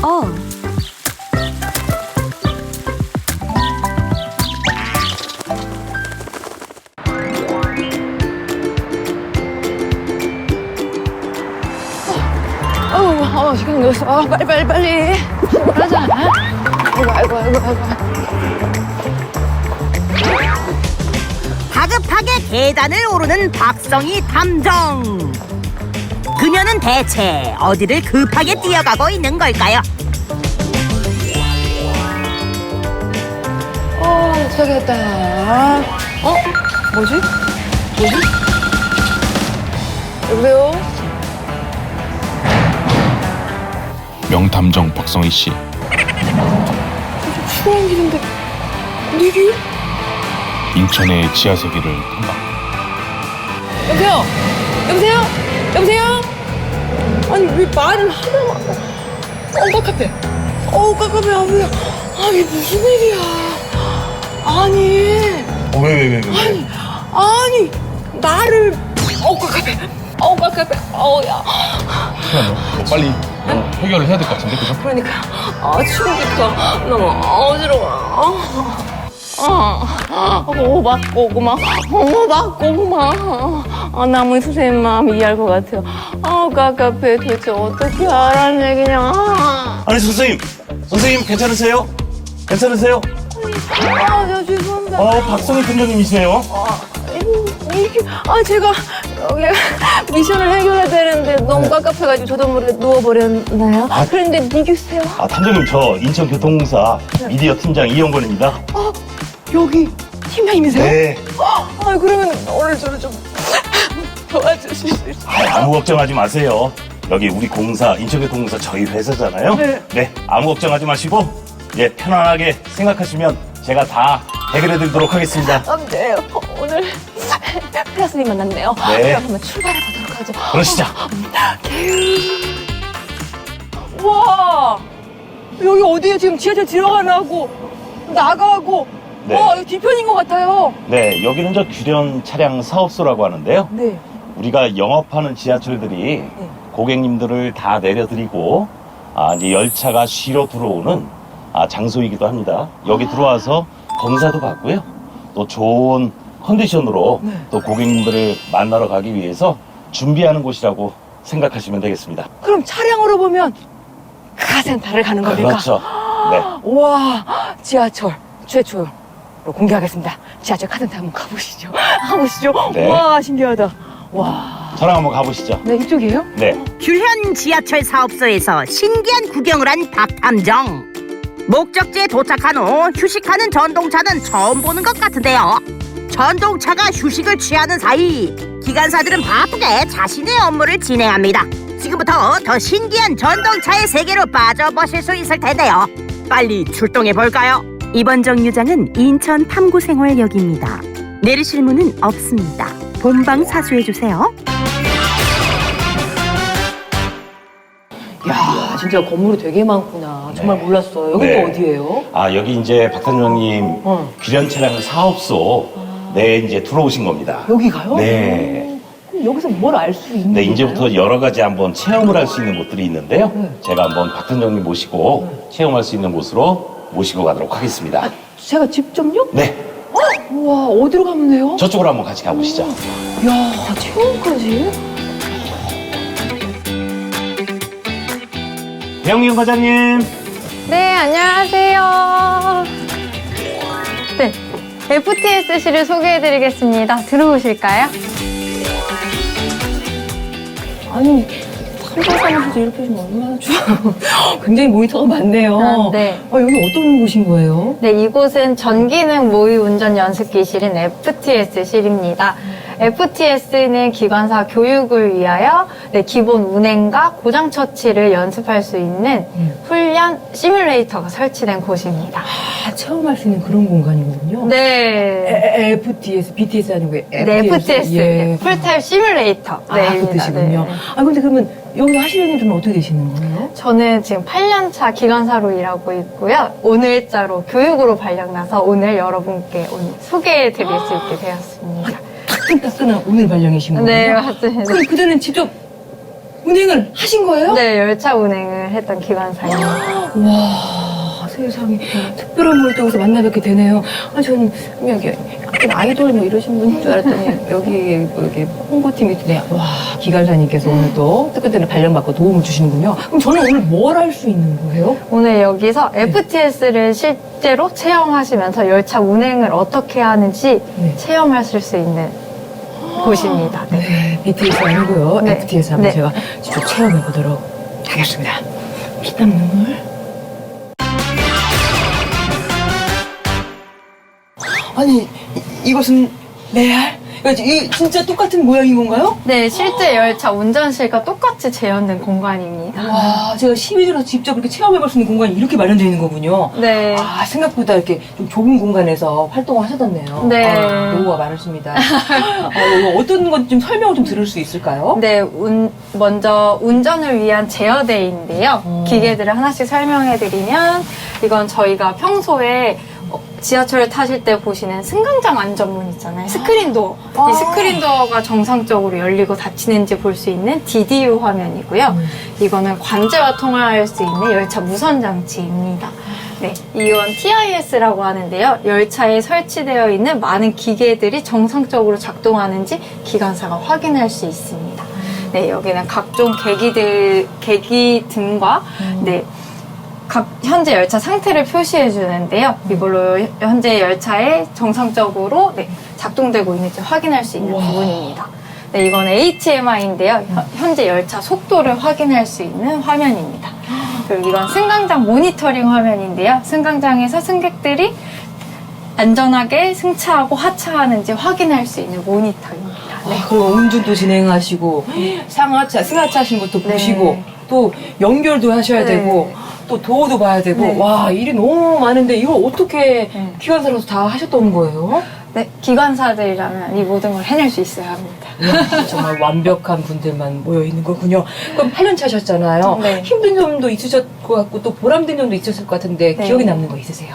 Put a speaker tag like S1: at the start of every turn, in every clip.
S1: 시간 늦었어. 빨리. 출발하자. 아이고.
S2: 다급하게 계단을 오르는 박성희 탐정. 그녀는 대체 어디를 급하게 뛰어가고 있는 걸까요?
S1: 도착했다. 뭐지? 여보세요?
S3: 명탐정 박성희 씨.
S1: 추운 길인데 어디?
S3: 인천의 지하세계를 탐방.
S1: 여보세요? 아니 왜 말을 하다가 깜깜해 아버야. 아니 무슨 일이야? 아니
S3: 왜?
S1: 아니 나를 깜깜해 야
S3: 너 빨리 해결을 해야 될 것 같은데, 그죠?
S1: 그러니까 추우니까 너무 어지러워. 나무 선생님 마음 이해할 것 같아요. 깝깝해. 도대체 어떻게 하라는 얘기냐.
S4: 아니 선생님 괜찮으세요?
S1: 저 죄송합니다.
S4: 박성희 팀장님이세요?
S1: 제가 여기 미션을 해결해야 되는데 너무 깝깝해가지고 저도 모르게 누워버렸나요? 그런데 믿으세요?
S4: 팀장님 저 인천교통공사 미디어 팀장 이영권입니다.
S1: 여기 팀장님이세요?
S4: 네.
S1: 그러면 오늘 저를 좀 도와주실 수 있어요?
S4: 아무 걱정하지 마세요. 여기 우리 공사 인천교통공사 저희 회사잖아요.
S1: 네.
S4: 아무 걱정하지 마시고 편안하게 생각하시면 제가 다 해결해드리도록 하겠습니다.
S1: 네, 오늘 플러스님 만났네요.
S4: 네.
S1: 그럼 한번 출발해보도록 하죠.
S4: 그러시죠.
S1: 와, 여기 어디에 지금 지하철 들어가라고 나가고
S4: 네.
S1: 여기 뒤편인 것 같아요.
S4: 네, 여기는 저 규련 차량 사업소라고 하는데요.
S1: 네.
S4: 우리가 영업하는 지하철들이 고객님들을 다 내려드리고 이제 열차가 쉬러 들어오는 장소이기도 합니다. 여기 들어와서 검사도 받고요. 또 좋은 컨디션으로 또 고객님들을 만나러 가기 위해서 준비하는 곳이라고 생각하시면 되겠습니다.
S1: 그럼 차량으로 보면 카센터를 가는 겁니까?
S4: 그렇죠. 네.
S1: 우와, 지하철 최초로 공개하겠습니다. 지하철 카센터 한번 가보시죠.
S4: 네.
S1: 우와, 신기하다. 와.
S4: 저랑 한번 가보시죠.
S1: 네, 이쪽이에요?
S4: 네.
S2: 규현 지하철 사업소에서 신기한 구경을 한 박탐정. 목적지에 도착한 후 휴식하는 전동차는 처음 보는 것 같은데요. 전동차가 휴식을 취하는 사이 기관사들은 바쁘게 자신의 업무를 진행합니다. 지금부터 더 신기한 전동차의 세계로 빠져보실 수 있을 텐데요. 빨리 출동해 볼까요? 이번 정류장은 인천 탐구생활역입니다. 내리실 문은 없습니다. 본방 사수해 주세요.
S1: 야, 진짜 건물이 되게 많구나. 정말 몰랐어요. 여기
S4: 네.
S1: 또 어디예요?
S4: 여기 이제 박 팀장님 규련 차량 사업소 이제 들어오신 겁니다.
S1: 여기가요?
S4: 네.
S1: 그럼 여기서 뭘 알 수 있는
S4: 네,
S1: 건가요?
S4: 이제부터 여러 가지 한번 체험을 할 수 있는 곳들이 있는데요.
S1: 네.
S4: 제가 한번 박 팀장님 모시고 체험할 수 있는 곳으로 모시고 가도록 하겠습니다.
S1: 제가 직접요?
S4: 네,
S1: 우와, 어디로 가면 돼요?
S4: 저쪽으로 한번 같이 가보시죠.
S1: 야, 체험까지?
S4: 배영민 과장님.
S5: 네, 안녕하세요. 네, FTSC를 소개해드리겠습니다. 들어오실까요?
S1: 아니, 삼성사무실에서 이렇게 해주면 얼마나 좋아. 굉장히 모니터가 많네요.
S5: 네.
S1: 여기 어떤 곳인 거예요?
S5: 네, 이곳은 전기능 모의 운전 연습기실인 FTS실입니다. FTS는 기관사 교육을 위하여 기본 운행과 고장 처치를 연습할 수 있는 훈련 시뮬레이터가 설치된 곳입니다.
S1: 체험할 수 있는 그런 공간이거든요.
S5: 네.
S1: FTS, BTS 아니고 FTS.
S5: 네, FTS.
S1: 예.
S5: 풀타임 시뮬레이터.
S1: 그 뜻이군요.
S5: 네.
S1: 근데 그러면 여기서 하시는 일은 어떻게 되시는 거예요?
S5: 저는 지금 8년차 기관사로 일하고 있고요. 오늘자로 교육으로 발령나서 오늘 여러분께 오늘 소개해드릴 수 있게 되었습니다.
S1: 따끈따끈한 오늘 발령이신 거예요?
S5: 네, 맞습니다.
S1: 그럼 그대는 직접 운행을 하신 거예요?
S5: 네, 열차 운행을 했던 기관사입니다.
S1: 와, 세상에. 특별한 분을 또 여기서 만나 뵙게 되네요. 아, 저는 여기 아이돌 뭐 이러신 분인 줄 알았더니 여기 뭐 이렇게 홍보팀이 있네. 와, 기관사님께서 오늘 또 특별한 발령받고 도움을 주시는군요. 그럼 저는 오늘 뭘 할 수 있는 거예요?
S5: 오늘 여기서 FTS를 실제로 체험하시면서 열차 운행을 어떻게 하는지
S1: 네.
S5: 체험하실 수 있는 곳입니다. 네.
S1: 네, BTS 아니고요.
S5: 네.
S1: FTS 한번
S5: 네.
S1: 제가 직접 체험해 보도록 하겠습니다. 피땀 눈물. 아니, 이것은 레알? 이 진짜 똑같은 모양인 건가요?
S5: 네, 실제 열차 운전실과 똑같이 재현된 공간입니다.
S1: 와, 제가 시민으로 직접 이렇게 체험해볼 수 있는 공간이 이렇게 마련되어 있는 거군요.
S5: 네.
S1: 아, 생각보다 이렇게 좀 좁은 공간에서 활동을 하셨었네요.
S5: 네.
S1: 아, 노후가 많으십니다. 이거 어떤 건 좀 설명을 좀 들을 수 있을까요?
S5: 네, 먼저 운전을 위한 제어대인데요. 기계들을 하나씩 설명해드리면 이건 저희가 평소에 지하철을 타실 때 보시는 승강장 안전문 있잖아요. 스크린도어. 이 스크린도어가 정상적으로 열리고 닫히는지 볼 수 있는 DDU 화면이고요. 이거는 관제와 통화할 수 있는 열차 무선 장치입니다. 네, 이건 TIS라고 하는데요. 열차에 설치되어 있는 많은 기계들이 정상적으로 작동하는지 기관사가 확인할 수 있습니다. 네, 여기는 각종 계기 등과 네, 각 현재 열차 상태를 표시해 주는데요. 이걸로 현재 열차에 정상적으로 네, 작동되고 있는지 확인할 수 있는 부분입니다. 네, 이건 HMI인데요. 현재 열차 속도를 확인할 수 있는 화면입니다. 그리고 이건 승강장 모니터링 화면인데요. 승강장에서 승객들이 안전하게 승차하고 하차하는지 확인할 수 있는 모니터입니다. 네.
S1: 그리고 운전도 진행하시고 상하차, 승하차 하시는 것도
S5: 네.
S1: 보시고 또 연결도 하셔야
S5: 네.
S1: 되고 또 도어도 봐야 되고
S5: 네.
S1: 와, 일이 너무 많은데 이걸 어떻게
S5: 네.
S1: 기관사로서 다 하셨던 거예요?
S5: 네, 기관사들이라면 이 모든 걸 해낼 수 있어야 합니다.
S1: 이야, 정말 완벽한 분들만 모여 있는 거군요. 그럼 8년 차셨잖아요.
S5: 네.
S1: 힘든 점도 있으셨을 것 같고 또 보람된 점도 있으셨을 것 같은데
S5: 네.
S1: 기억에 남는 거 있으세요?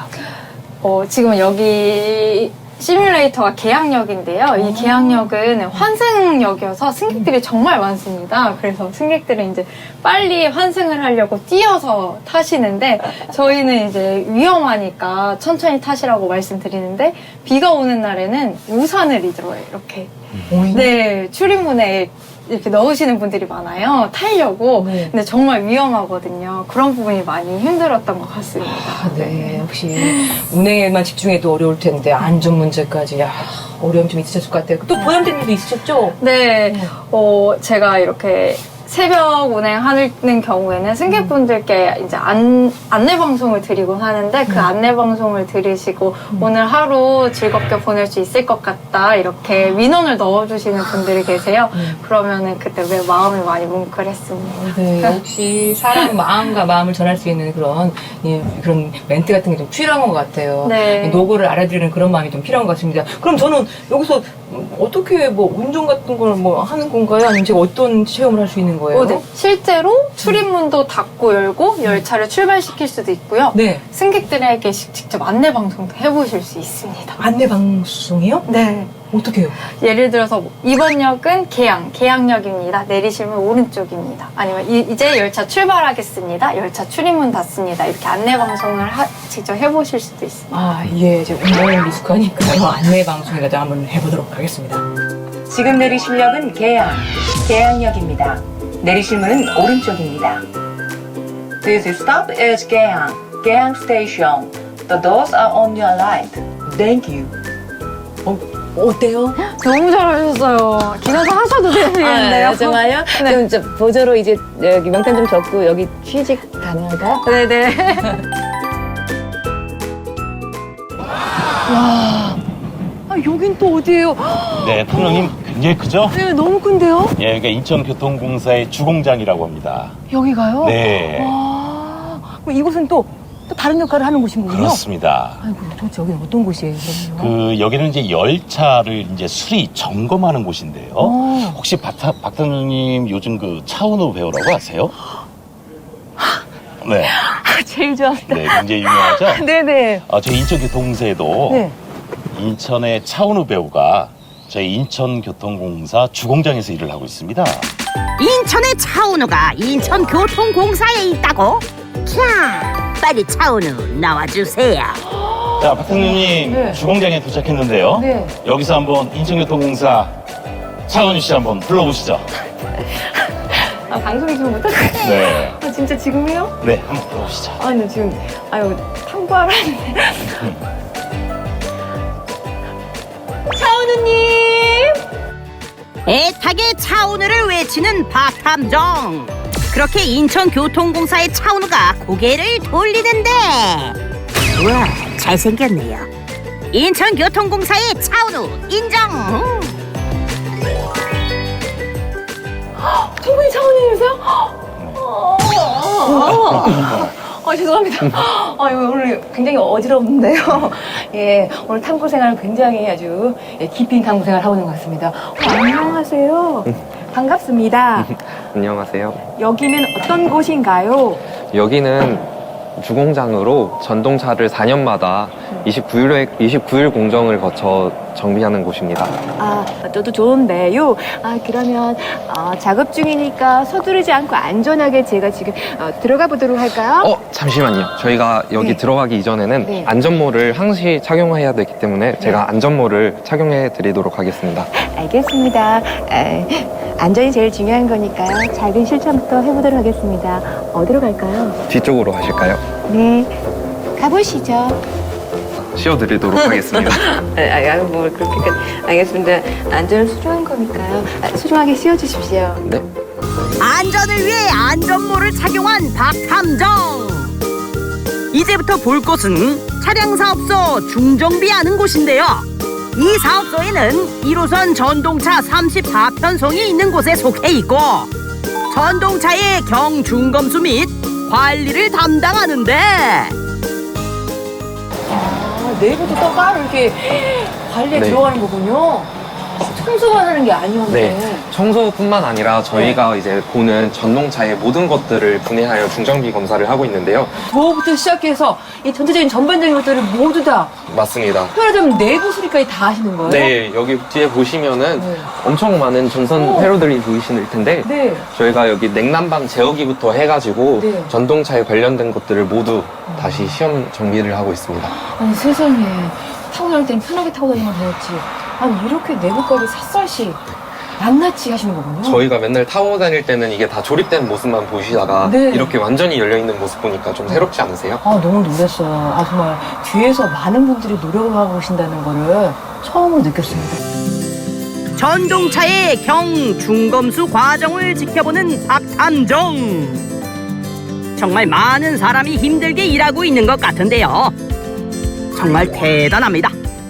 S5: 지금 여기 시뮬레이터가 계양역인데요. 이 계양역은 환승역이어서 승객들이 정말 많습니다. 그래서 승객들은 이제 빨리 환승을 하려고 뛰어서 타시는데 저희는 이제 위험하니까 천천히 타시라고 말씀드리는데 비가 오는 날에는 우산을 이렇게 네, 출입문에 이렇게 넣으시는 분들이 많아요. 타려고.
S1: 네.
S5: 근데 정말 위험하거든요. 그런 부분이 많이 힘들었던 것 같습니다.
S1: 네, 역시 운행에만 집중해도 어려울 텐데 안전 문제까지 어려움 좀 있으셨을 것 같아요. 또 보람된 일도 있으셨죠?
S5: 네, 제가 이렇게 새벽 운행하는 경우에는 승객분들께 이제 안내 방송을 드리곤 하는데 그 안내 방송을 들으시고 오늘 하루 즐겁게 보낼 수 있을 것 같다 이렇게 민원을 넣어주시는 분들이 계세요. 그러면은 그때 왜 마음이 많이 뭉클했습니다.
S1: 네, 역시 사람 마음과 마음을 전할 수 있는 그런 그런 멘트 같은 게 좀 필요한 것 같아요.
S5: 네.
S1: 노고를 알아들이는 그런 마음이 좀 필요한 것 같습니다. 그럼 저는 여기서 어떻게 뭐 운전 같은 걸 뭐 하는 건가요? 아니면 제가 어떤 체험을 할 수 있는 거예요?
S5: 네. 실제로 출입문도 닫고 열고 열차를 출발시킬 수도 있고요.
S1: 네.
S5: 승객들에게 직접 안내 방송도 해보실 수 있습니다.
S1: 안내 방송이요?
S5: 네.
S1: 어떻게 해요?
S5: 예를 들어서 이번 역은 계양역입니다. 내리시면 오른쪽입니다. 아니면 이제 열차 출발하겠습니다. 열차 출입문 닫습니다. 이렇게 안내 방송을 직접 해보실 수도 있습니다.
S1: 아, 예, 제가 운전을 미숙하니까요. 안내 방송이라도 한번 해보도록 하겠습니다.
S6: 지금 내리실 역은 계양역입니다. 내리실 문은 오른쪽입니다. This stop is Keang Station. The doors are on your right. Thank you.
S1: 어때요?
S5: 너무 잘하셨어요. 기관사 하셔도 되겠는데요.
S7: 정말요?
S5: 네.
S7: 그럼 저 보조로 이제 여기 명단 좀 적고 여기 취직 가능할까요?
S5: 네네.
S1: 여긴 또 어디예요?
S4: 네, 통영님 굉장히 크죠?
S1: 네, 너무 큰데요?
S4: 예, 그러니까 인천교통공사의 주공장이라고 합니다.
S1: 여기가요?
S4: 네,
S1: 와, 그럼 이곳은 또 다른 역할을 하는 곳인 거군요?
S4: 그렇습니다.
S1: 아이고, 도대체 여기는 어떤 곳이에요, 그럼요?
S4: 여기는 이제 열차를 이제 수리 점검하는 곳인데요. 혹시 박사님 요즘 그 차은우 배우라고 아세요? 네,
S1: 제일 좋았다.
S4: 네, 굉장히 유명하죠?
S1: 네네.
S4: 저희 인천교통공사에도
S1: 네.
S4: 인천의 차은우 배우가 저희 인천교통공사 주공장에서 일을 하고 있습니다.
S2: 인천의 차은우가 인천교통공사에 있다고? 자, 빨리 차은우 나와주세요.
S4: 자, 박상님님
S1: 네.
S4: 주공장에 도착했는데요.
S1: 네.
S4: 여기서 한번 인천교통공사 차은우 씨 한번 불러보시죠.
S1: 아, 방송이 좀 못하겠어요.
S4: 네.
S1: 아, 진짜 지금이요?
S4: 네, 한번 불러보시죠.
S1: 아, 근데 지금, 아유, 탐구하러 왔는데. 차은우님!
S2: 애타게 차은우를 외치는 박탐정. 그렇게 인천교통공사의 차은우가 고개를 돌리는데, 우와, 잘생겼네요. 인천교통공사의 차은우 인정.
S1: 충분히 차은우님이세요? 죄송합니다. 오늘 굉장히 어지럽는데요. 예, 오늘 탐구 생활 굉장히 아주 깊이 있는 탐구 생활 하고 있는 것 같습니다. 안녕하세요. 반갑습니다.
S8: 안녕하세요.
S1: 여기는 어떤 곳인가요?
S8: 여기는 주공장으로 전동차를 4년마다 29일 공정을 거쳐 정비하는 곳입니다.
S1: 아, 저도 좋은데요. 그러면 작업 중이니까 서두르지 않고 안전하게 제가 지금 들어가 보도록 할까요?
S8: 잠시만요. 저희가 여기
S1: 네.
S8: 들어가기 이전에는
S1: 네.
S8: 안전모를 항시 착용해야 되기 때문에 제가 안전모를 착용해 드리도록 하겠습니다.
S1: 알겠습니다. 안전이 제일 중요한 거니까요. 작은 실천부터 해보도록 하겠습니다. 어디로 갈까요?
S8: 뒤쪽으로 가실까요?
S1: 네, 가보시죠.
S8: 씌워드리도록 하겠습니다.
S1: 뭐 그렇게 알겠습니다. 안전은 소중한 거니까요. 소중하게 씌워주십시오.
S8: 네.
S2: 안전을 위해 안전모를 착용한 박탐정. 이제부터 볼 곳은 차량사업소 중정비하는 곳인데요. 이 사업소에는 1호선 전동차 34편송이 있는 곳에 속해 있고 전동차의 경중검수 및 관리를 담당하는데
S1: 내부도 또 따로 이렇게 관리에
S8: 네.
S1: 들어가는 거군요. 청소만 하는 게 아니었는데.
S8: 네. 청소뿐만 아니라 저희가 이제 보는 전동차의 모든 것들을 분해하여 중정비 검사를 하고 있는데요.
S1: 도어부터 시작해서 이 전체적인 전반적인 것들을 모두 다
S8: 맞습니다.
S1: 편하자면 내부 수리까지 다 하시는 거예요?
S8: 네, 여기 뒤에 보시면은
S1: 네.
S8: 엄청 많은 전선 회로들이 보이실 텐데
S1: 네.
S8: 저희가 여기 냉난방 제어기부터 해가지고
S1: 네.
S8: 전동차에 관련된 것들을 모두 다시 시험 정비를 하고 있습니다.
S1: 아니 세상에 타고 다닐 때는 편하게 타고 다니면 되었지. 아니 이렇게 내부까지 샅샅이 낱낱이 하시는 거군요.
S8: 저희가 맨날 타고 다닐 때는 이게 다 조립된 모습만 보시다가
S1: 네.
S8: 이렇게 완전히 열려있는 모습 보니까 좀 새롭지 않으세요?
S1: 너무 놀랐어요. 정말 뒤에서 많은 분들이 노력을 하고 계신다는 거를 처음으로 느꼈습니다.
S2: 전동차의 경중검수 과정을 지켜보는 박탐정. 정말 많은 사람이 힘들게 일하고 있는 것 같은데요. 정말 대단합니다.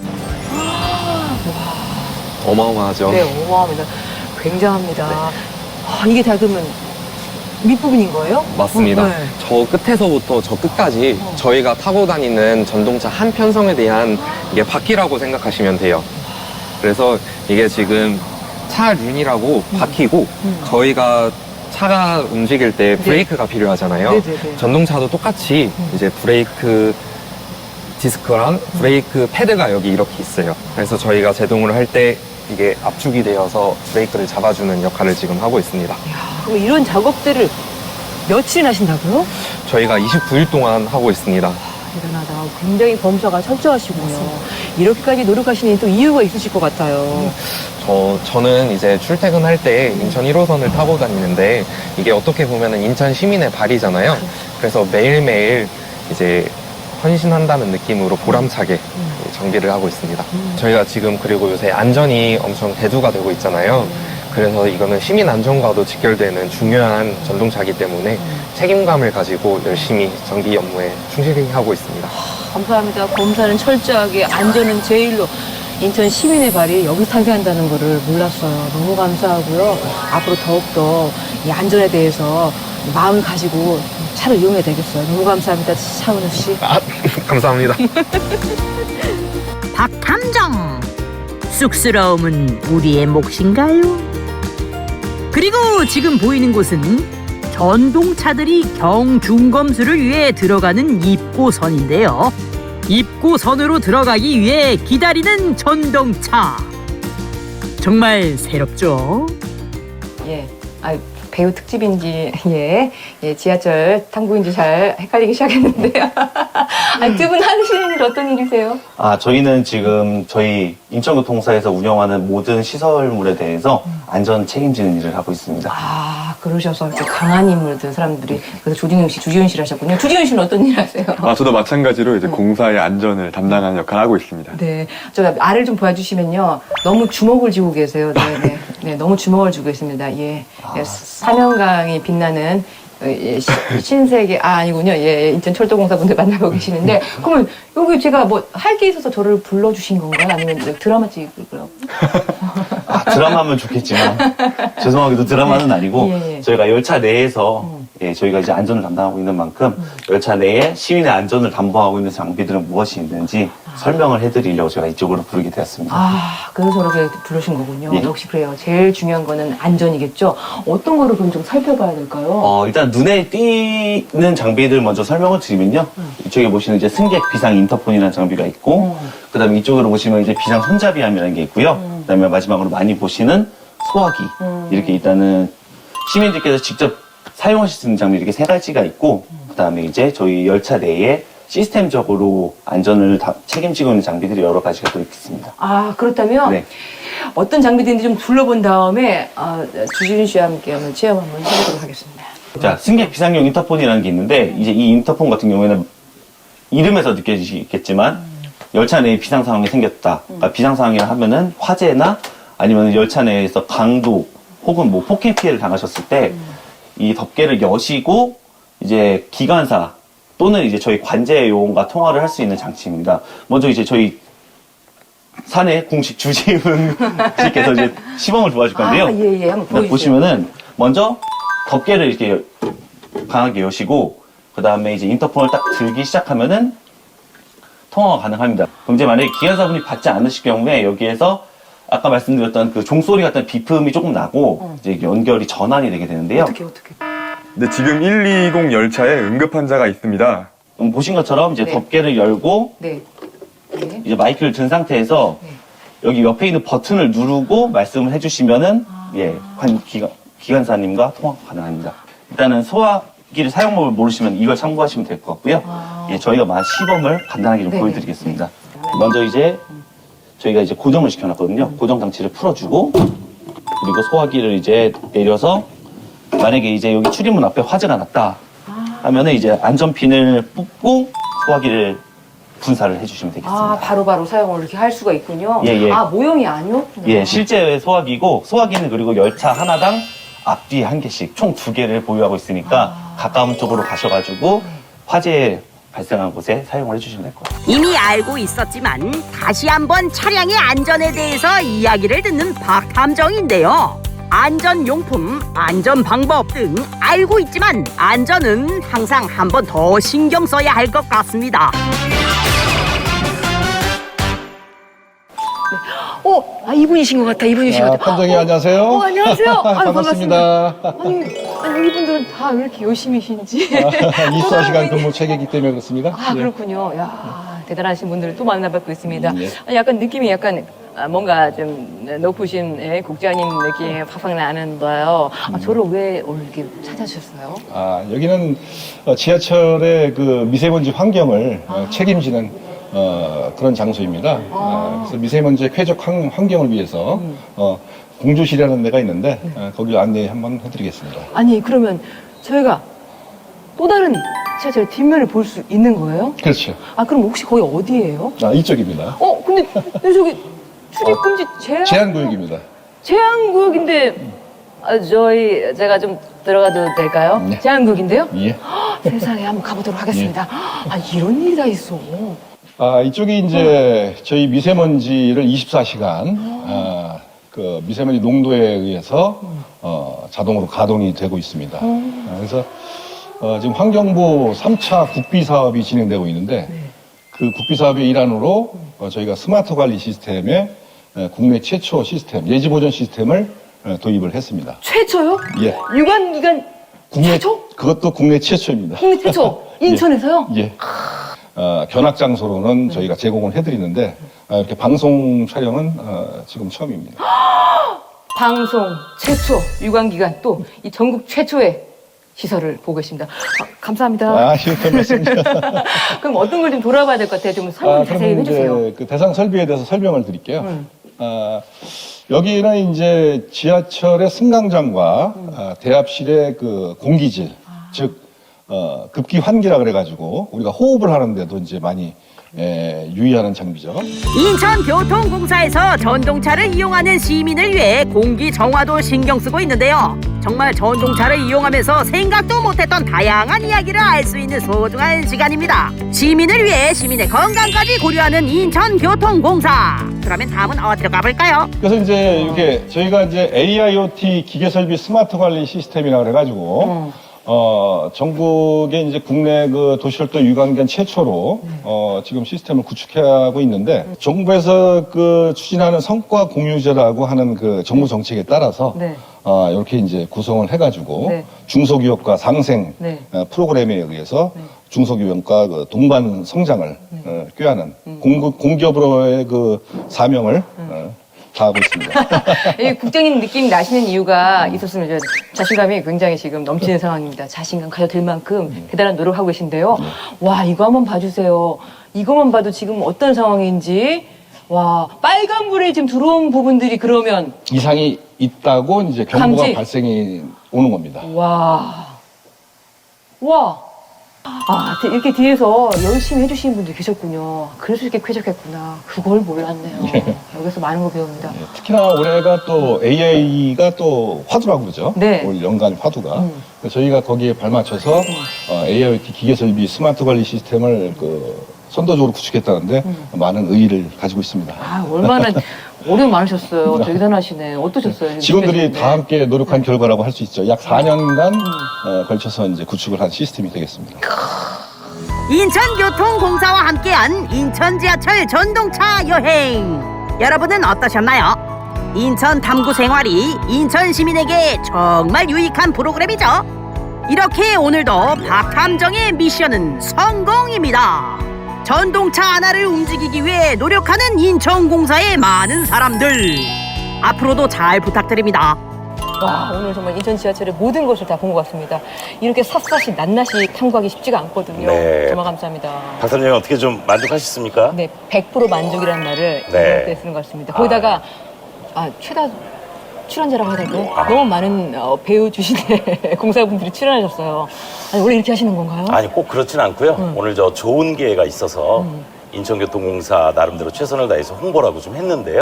S8: 어마어마하죠.
S1: 네, 어마어마합니다. 굉장합니다. 이게 다 그러면 밑부분인 거예요?
S8: 맞습니다.
S1: 네.
S8: 저 끝에서부터 저 끝까지 저희가 타고 다니는 전동차 한 편성에 대한 이게 바퀴라고 생각하시면 돼요. 그래서 이게 지금 차륜이라고 바퀴고 저희가 차가 움직일 때 브레이크가 필요하잖아요.
S1: 네네네.
S8: 전동차도 똑같이 이제 브레이크 디스크랑 브레이크 패드가 여기 이렇게 있어요. 그래서 저희가 제동을 할 때 이게 압축이 되어서 브레이크를 잡아주는 역할을 지금 하고 있습니다.
S1: 그럼 이런 작업들을 며칠이나 하신다고요?
S8: 저희가 29일 동안 하고 있습니다.
S1: 대단하다. 굉장히 범사가 철저하시군요. 이렇게까지 노력하시는 또 이유가 있으실 것 같아요.
S8: 저는 이제 출퇴근할 때 인천 1호선을 타고 다니는데 이게 어떻게 보면은 인천 시민의 발이잖아요. 그래서 매일매일 이제 헌신한다는 느낌으로 보람차게 정비를 하고 있습니다. 저희가 지금 그리고 요새 안전이 엄청 대두가 되고 있잖아요. 그래서 이거는 시민 안전과도 직결되는 중요한 전동차이기 때문에 책임감을 가지고 열심히 정비 업무에 충실히 하고 있습니다.
S1: 감사합니다. 검사는 철저하게, 안전은 제일로. 인천 시민의 발이 여기 탄생한다는 거를 몰랐어요. 너무 감사하고요. 앞으로 더욱더 이 안전에 대해서 마음을 가지고 차를 이용해야 되겠어요. 너무 감사합니다. 차은우 씨.
S8: 감사합니다.
S2: 박탐정. 쑥스러움은 우리의 몫인가요? 그리고 지금 보이는 곳은 전동차들이 경중검수를 위해 들어가는 입고선인데요. 입고선으로 들어가기 위해 기다리는 전동차. 정말 새롭죠?
S1: 예. 배우 특집인지 지하철 탐구인지 잘 헷갈리기 시작했는데요. 두 분 하시는 일 어떤 일이세요?
S4: 저희는 지금 저희 인천교통사에서 운영하는 모든 시설물에 대해서 안전 책임지는 일을 하고 있습니다.
S1: 그러셔서 이렇게 강한 인물들 사람들이 그래서 조진웅 씨, 주지훈 씨를 하셨군요. 주지훈 씨는 어떤 일 하세요?
S9: 저도 마찬가지로 이제 공사의 안전을 담당하는 역할을 하고 있습니다.
S1: 네, 저 알을 좀 보여주시면요. 너무 주먹을 쥐고 계세요. 네, 너무 주먹을 쥐고 있습니다. 사명강이 빛나는 신세계 아니군요. 인천철도공사 분들 만나고 계시는데 그러면 여기 제가 뭐 할 게 있어서 저를 불러주신 건가요? 아니면 드라마 찍으려고?
S4: 드라마면 좋겠지만 죄송하게도 드라마는 아니고 저희가 열차 내에서 저희가 이제 안전을 담당하고 있는 만큼 열차 내에 시민의 안전을 담보하고 있는 장비들은 무엇이 있는지 설명을 해드리려고 제가 이쪽으로 부르게 되었습니다.
S1: 그래서 저렇게 부르신 거군요.
S4: 예.
S1: 역시 그래요. 제일 중요한 거는 안전이겠죠. 어떤 거를 그럼 좀 살펴봐야 될까요?
S4: 일단 눈에 띄는 장비들 먼저 설명을 드리면요. 이쪽에 보시는 이제 승객 비상 인터폰이라는 장비가 있고, 그 다음에 이쪽으로 보시면 이제 비상 손잡이함이라는 게 있고요. 그 다음에 마지막으로 많이 보시는 소화기. 이렇게 일단은 시민들께서 직접 사용하실 수 있는 장비 이렇게 세 가지가 있고, 그 다음에 이제 저희 열차 내에 시스템적으로 안전을 책임지고 있는 장비들이 여러 가지가 또 있습니다.
S1: 그렇다면
S4: 네.
S1: 어떤 장비들인지 좀 둘러본 다음에 주지훈 씨와 함께 한번 체험 한번 해보도록 하겠습니다.
S4: 자, 승객 비상용 인터폰이라는 게 있는데, 이제 이 인터폰 같은 경우에는 이름에서 느껴지시겠지만, 열차 내에 비상 상황이 생겼다. 그러니까 비상 상황이라 하면은 화재나 아니면 열차 내에서 강도 혹은 뭐 폭행 피해를 당하셨을 때, 이 덮개를 여시고, 이제 기관사 또는 이제 저희 관제 요원과 통화를 할 수 있는 장치입니다. 먼저 이제 저희 사내 공식 주지훈 씨께서 이제 시범을 도와줄 건데요.
S1: 한번 보여주세요.
S4: 보시면은 먼저 덮개를 이렇게 강하게 여시고 그 다음에 이제 인터폰을 딱 들기 시작하면은 통화가 가능합니다. 그럼 이제 만약에 기관사분이 받지 않으실 경우에 여기에서 아까 말씀드렸던 그 종소리 같은 비품이 조금 나고 이제 연결이 전환이 되게 되는데요.
S1: 어떻게?
S9: 네, 지금 120 열차에 응급 환자가 있습니다.
S4: 보신 것처럼 이제
S1: 네.
S4: 덮개를 열고
S1: 네.
S4: 이제 마이크를 든 상태에서 여기 옆에 있는 버튼을 누르고 말씀을 해주시면은 기관사님과 통화가 가능합니다. 일단은 소화기를 사용법을 모르시면 이걸 참고하시면 될 것 같고요. 저희가 시범을 간단하게 좀 보여드리겠습니다. 먼저 이제 저희가 이제 고정을 시켜놨거든요. 고정 장치를 풀어주고 그리고 소화기를 이제 내려서 만약에 이제 여기 출입문 앞에 화재가 났다 하면은 이제 안전핀을 뽑고 소화기를 분사를 해주시면 되겠습니다.
S1: 바로바로 사용을 이렇게 할 수가 있군요. 모형이 아니었구나.
S4: 실제 소화기고 소화기는 그리고 열차 하나당 앞뒤 한 개씩 총 2개를 보유하고 있으니까 가까운 쪽으로 가셔가지고 화재 발생한 곳에 사용을 해주시면 될 것 같아요.
S2: 이미 알고 있었지만 다시 한번 차량의 안전에 대해서 이야기를 듣는 박탐정인데요. 안전용품, 안전방법 등 알고 있지만 안전은 항상 한 번 더 신경 써야 할 것 같습니다.
S1: 이분이신 것 같아.
S10: 판정이 안녕하세요.
S1: 안녕하세요.
S10: 반갑습니다.
S1: 아니 이분들은 다 왜 이렇게 열심히신지.
S10: 24시간 근무 체계이기 때문에 그렇습니다.
S1: 그렇군요. 대단하신 분들을 또 만나뵙고 있습니다.
S10: 예.
S1: 약간 느낌이 뭔가 좀 높으신 국장님 느낌이 팍팍 나는데요. 저를 왜 오늘 이렇게 찾아주셨어요?
S10: 여기는 지하철의 그 미세먼지 환경을 책임지는 그런 장소입니다. 그래서 미세먼지의 쾌적 환경을 위해서 공조실이라는 데가 있는데 거기 안내 한번 해드리겠습니다.
S1: 아니 그러면 저희가 또 다른 지하철 뒷면을 볼 수 있는 거예요?
S10: 그렇죠.
S1: 그럼 혹시 거기 어디예요?
S10: 이쪽입니다.
S1: 근데 저기 출입금지
S10: 제한구역입니다.
S1: 제한구역인데 제가 좀 들어가도 될까요?
S10: 네.
S1: 제한구역인데요?
S10: 예.
S1: 세상에 한번 가보도록 하겠습니다. 이런 일이 다 있어.
S10: 이쪽이 이제 저희 미세먼지를 24시간 그 미세먼지 농도에 의해서 자동으로 가동이 되고 있습니다. 그래서 지금 환경부 3차 국비 사업이 진행되고 있는데 그 국비 사업의 일환으로 저희가 스마트 관리 시스템에 국내 최초 시스템 예지 보전 시스템을 도입을 했습니다.
S1: 최초요?
S10: 예.
S1: 유관기관 최초?
S10: 그것도 국내 최초입니다.
S1: 국내 최초? 인천에서요?
S10: 예. 견학 장소로는 저희가 제공을 해드리는데 이렇게 방송 촬영은 지금 처음입니다.
S1: 방송 최초 유관기관 또 이 전국 최초의 시설을 보고 계십니다. 감사합니다.
S10: 아, 이런 말씀이죠.
S1: 그럼 어떤 걸 좀 돌아봐야 될 것 같아요. 좀 설명 자세히
S10: 그러면
S1: 해주세요.
S10: 이제 그 대상 설비에 대해서 설명을 드릴게요. 여기는 이제 지하철의 승강장과 대합실의 그 공기질, 즉 급기 환기라 그래가지고 우리가 호흡을 하는데도 이제 많이 유의하는 장비죠.
S2: 인천교통공사에서 전동차를 이용하는 시민을 위해 공기 정화도 신경 쓰고 있는데요. 정말 전동차를 이용하면서 생각도 못했던 다양한 이야기를 알 수 있는 소중한 시간입니다. 시민을 위해 시민의 건강까지 고려하는 인천교통공사. 그러면 다음은 어디로 가볼까요?
S10: 그래서 이제 이게 저희가 이제 AIoT 기계 설비 스마트 관리 시스템이라 그래가지고 전국에 이제 국내 그 도시철도 유관기관 최초로 지금 시스템을 구축하고 있는데 정부에서 그 추진하는 성과 공유제라고 하는 그 정부 정책에 따라서
S1: 네.
S10: 이렇게 이제 구성을 해가지고
S1: 네.
S10: 중소기업과 상생
S1: 네.
S10: 프로그램에 의해서 중소기업과 그 동반 성장을 꾀하는 공기업으로의 그 사명을 다하고 있습니다.
S1: 이 국장님 느낌이 나시는 이유가 있었으면 이제 자신감이 굉장히 지금 넘치는 상황입니다. 자신감 가져들 만큼 대단한 노력하고 계신데요. 와, 이거 한번 봐주세요. 이거만 봐도 지금 어떤 상황인지. 와, 빨간불에 지금 들어온 부분들이 그러면
S10: 이상이 있다고 이제 경보가
S1: 감지.
S10: 발생이 오는 겁니다.
S1: 와. 아, 이렇게 뒤에서 열심히 해주시는 분들이 계셨군요. 그래서 이렇게 쾌적했구나. 그걸 몰랐네요. 여기서 많은 걸 배웁니다.
S10: 특히나 올해가 또 AI가 또 화두라고 그러죠.
S1: 네.
S10: 올 연간 화두가. 그래서 저희가 거기에 발맞춰서 AIoT 기계 설비 스마트 관리 시스템을 그 선도적으로 구축했다는데 많은 의의를 가지고 있습니다.
S1: 아, 얼마나 오래 많으셨어요. 대단하시네. 어떠셨어요?
S10: 직원들이 다 함께 노력한 결과라고 할 수 있죠. 약 4년간 걸쳐서 이제 구축을 한 시스템이 되겠습니다.
S2: 인천교통공사와 함께한 인천 지하철 전동차 여행. 여러분은 어떠셨나요? 인천 탐구 생활이 인천 시민에게 정말 유익한 프로그램이죠. 이렇게 오늘도 박탐정의 미션은 성공입니다. 전동차 하나를 움직이기 위해 노력하는 인천공사의 많은 사람들. 앞으로도 잘 부탁드립니다.
S1: 와, 오늘 정말 인천 지하철의 모든 것을 다 본 것 같습니다. 이렇게 샅샅이 낱낱이 탐구하기 쉽지가 않거든요.
S4: 네.
S1: 정말 감사합니다.
S4: 박사님 어떻게 좀 만족하셨습니까?
S1: 네, 100% 만족이라는 말을
S4: 네.
S1: 이럴 때 쓰는 것 같습니다. 거기다가 최다 출연자라고 해야 될까요? 너무 많은 배우 출신의 공사분들이 출연하셨어요. 아니, 원래 이렇게 하시는 건가요?
S4: 아니 꼭 그렇진 않고요. 오늘 저 좋은 기회가 있어서 인천교통공사 나름대로 최선을 다해서 홍보라고 좀 했는데요.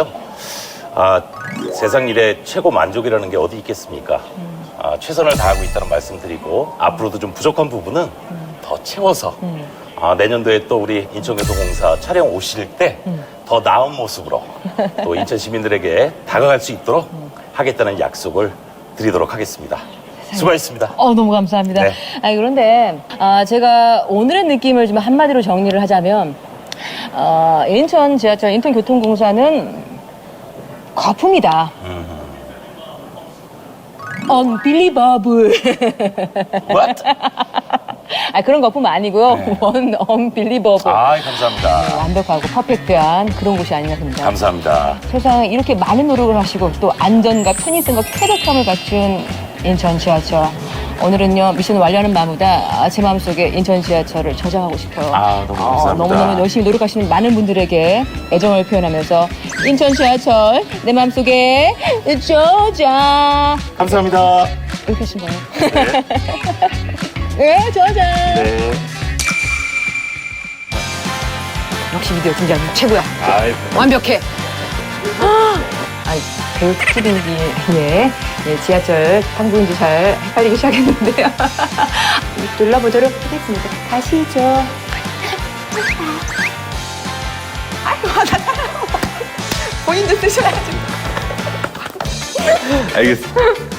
S4: 세상 일에 최고 만족이라는 게 어디 있겠습니까? 최선을 다하고 있다는 말씀드리고 앞으로도 좀 부족한 부분은 더 채워서 내년도에 또 우리 인천교통공사 촬영 오실 때 더 나은 모습으로 또 인천 시민들에게 다가갈 수 있도록 하겠다는 약속을 드리도록 하겠습니다. 수고하셨습니다.
S1: 너무 감사합니다.
S4: 네.
S1: 그런데 제가 오늘의 느낌을 좀 한마디로 정리를 하자면 인천 지하철 인천교통공사는 거품이다. Unbelievable.
S4: What?
S1: 그런 거품 아니고요. Unbelievable.
S4: 감사합니다.
S1: 완벽하고 퍼펙트한 그런 곳이 아닌가 싶습니다.
S4: 감사합니다.
S1: 세상에 이렇게 많은 노력을 하시고 또 안전과 편의성과 쾌적함을 갖춘 인천 지하철. 오늘은요 미션을 완료하는 마음보다 제 마음속에 인천 지하철을 저장하고 싶어요.
S4: 너무 감사합니다.
S1: 너무너무 열심히 노력하시는 많은 분들에게 애정을 표현하면서 인천 지하철 내 마음속에 저장.
S4: 감사합니다.
S1: 이렇게 하신 거예요? 네, 저장.
S4: 네.
S1: 역시 미디어 팀장님 최고야.
S4: 아이,
S1: 완벽해. 배우 특집이기에 지하철 탐구인지 잘 헷갈리기 시작했는데요. 둘러보도록 하겠습니다. 가시죠. 아이고, 본인도 쓰셔야지.
S4: 알겠습니다.